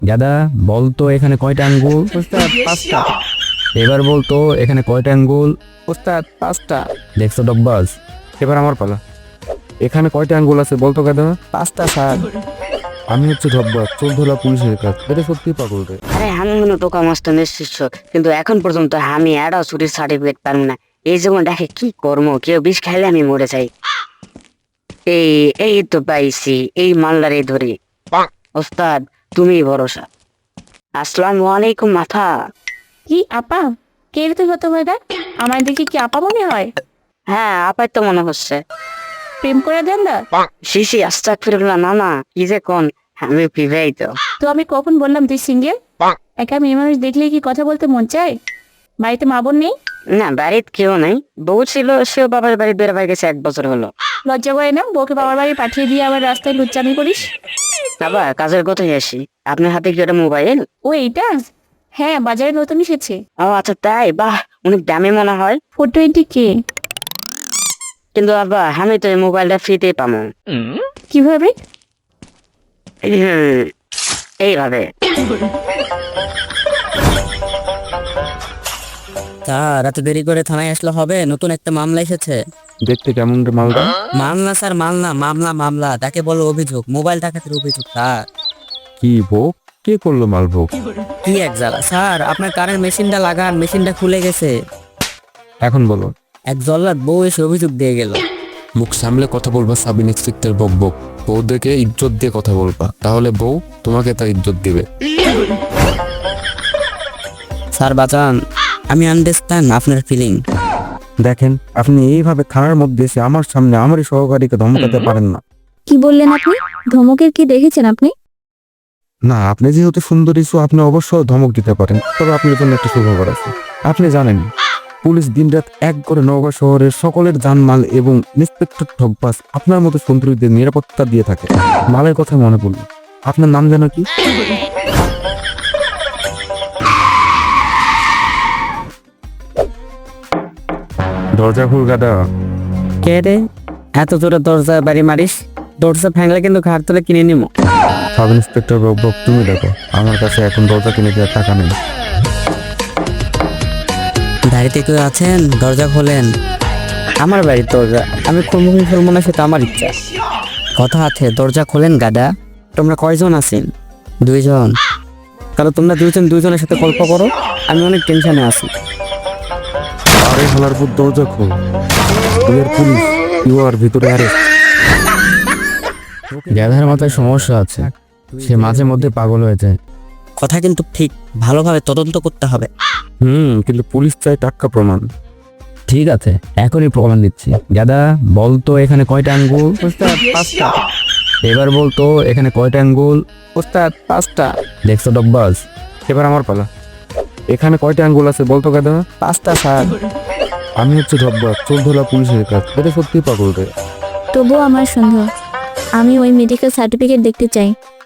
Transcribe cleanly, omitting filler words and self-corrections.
গাদা বলতো এখানে কয়টা আঙ্গুল? ওস্তাদ 5টা। এবার বলতো এখানে কয়টা আঙ্গুল? ওস্তাদ 5টা। দেখছো ডব্বাস? এবার আমার পালা। এখানে কয়টা আঙ্গুল আছে বলতো গাদা? 5টা স্যার। আমি হচ্ছে ধব্বা, চোর ধরা পুলিশের কাজ। এটা সত্যি পাগল রে। আরে আমি মনে টোকা মস্ত নিশ্চিত, কিন্তু এখন পর্যন্ত আমি এটাও চুরির সার্টিফিকেট পারবো না। এই যেমন দেখে কি কর্ম, কেউ বিষ খাইলে আমি মরে যাই। এই এই তো পাইছি, এই মালদারে ধরি। ওস্তাদ তুমি ভরসা। আসসালামু আলাইকুম মাথা। কি আপা? কে রে তুই হতো ভাইরা? আমার দেখি কি আপা মনে হয়? হ্যাঁ আপাই তো মনে হচ্ছে। প্রেম করে দেন না? শিশি আস্তাগফিরুল্লাহ, না না কি যে কোন, আমি বিবাহিত। তো আমি কখন বললাম তুই সিঙ্গেল? একা মেয়ে মানুষ দেখলে কি কথা বলতে মন চায়? বাড়িতে মা বোন নেই? না বাড়িতে কেউ নাই, বউ ছিল, সেও বাবার বাড়ি বের হয়ে গেছে 1 বছর হলো। লজ্জা করে না বউকে বাবার বাড়ি পাঠিয়ে দিয়ে আবার রাস্তায় লুচ্চামি করিস? বাবা কাজের কথাই আসি, আপনার হাতে কি ওটা মোবাইল? ও এইটা? হ্যাঁ বাজারে নতুন এসেছে। ও আচ্ছা তাই, বাহ অনেক দামি মনে হয়। 420K। কিন্তু বাবা আমি তো এই মোবাইলটা ফ্রিতে পাবো। কিভাবে? এইভাবে। স্যার এত দেরি করে থানায় আসলে হবে? নতুন একটা মামলা এসেছে। দেখতে কেমন রে মালটা? মামলা স্যার, মামলা তাকে বলো অভিযোগ, মোবাইল ডাকাতের অভিযোগ স্যার। কি ভোগ? কে করলো মাল ভোগ? কি এক জ্বালা স্যার, আপনার কারের মেশিনটা লাগান, মেশিনটা খুলে গেছে। এখন বলো। এক জল্লাদ বউ এসে অভিযোগ দিয়ে গেল। মুখ সামলে কথা বলবা সাব ইন্সপেক্টর বক বক। বউদেরকে ইজ্জত দিয়ে কথা বলবা, তাহলে বউ তোমাকে তার ইজ্জত দিবে। স্যার বাঁচান, আমি আন্ডারস্ট্যান্ড আপনার ফিলিং। দেখেন, আপনি এইভাবে থানার মধ্যে এসে আমার সামনে আমারই সহকারীকে ধমকাতে পারেন না। কি বললেন আপনি? ধমকের কি দেখেছেন আপনি? না, আপনি যেহেতু সুন্দরী সো আপনি অবশ্যই ধমক দিতে পারেন, তবে আপনার জন্য একটা সুখবর আছে। আপনি জানেন পুলিশ দিনরাত এক করে নওগাঁ শহরের সকলের জানমাল এবং ইন্সপেক্টর ঠকবাস আপনার মতো সুন্দরীদের নিরাপত্তা দিয়ে থাকে। মালের কথা মনে পড়ল, আপনার নাম যেন কি? দরজা খুল গাদা। কে রে? এত জোরে দরজা বাড়ি মারিস? দরজা ভাঙলে কিন্তু ঘাট তুলে কিনে নিবো। সাব ইন্সপেক্টর বক বক, তুমি দেখো, আমার কাছে এখন দরজা কিনে দেওয়ার টাকা নেই। বাড়িতে কেউ আছেন? দরজা খোলেন। আমার বাড়ির দরজা আমি খুলবো কি খুলবো না সেটা আমার ইচ্ছা। কথা আছে, দরজা খোলেন গাদা। তোমরা কয়জন আছেন? 2 জন। তাহলে তোমরা দুজনের সাথে গল্প করো, আমি অনেক টেনশনে আছি। আরে হালার পুত, দরজা খোল। You are police, you are ভিতরে অ্যারেস্ট। গাধার মাথায় সমস্যা আছে, সে মাঝে মধ্যে পাগল হয়ে যায়। কথা কিন্তু ঠিক, ভালোভাবে তদন্ত করতে হবে। কিন্তু পুলিশ চাই টাটকা প্রমাণ। ঠিক আছে, এখনই প্রমাণ দিচ্ছি। গাদা বলতো এখানে কয়টা আঙ্গুল? ওস্তাদ 5টা। এবার বলতো এখানে কয়টা আঙ্গুল? ওস্তাদ 5টা। দেখছো ডব্বাস? এবার আমার পালা। এখানে কয়টা আঙ্গুল আছে বলতো গাদা? 5টা স্যার। আমি হচ্ছে ধব্বা, চোর ধরা পুলিশের কাজ। এটা সত্যি পাগল রে। তবুও আমার সন্দেহ। আমি ওই মেডিকেল সার্টিফিকেট দেখতে চাই।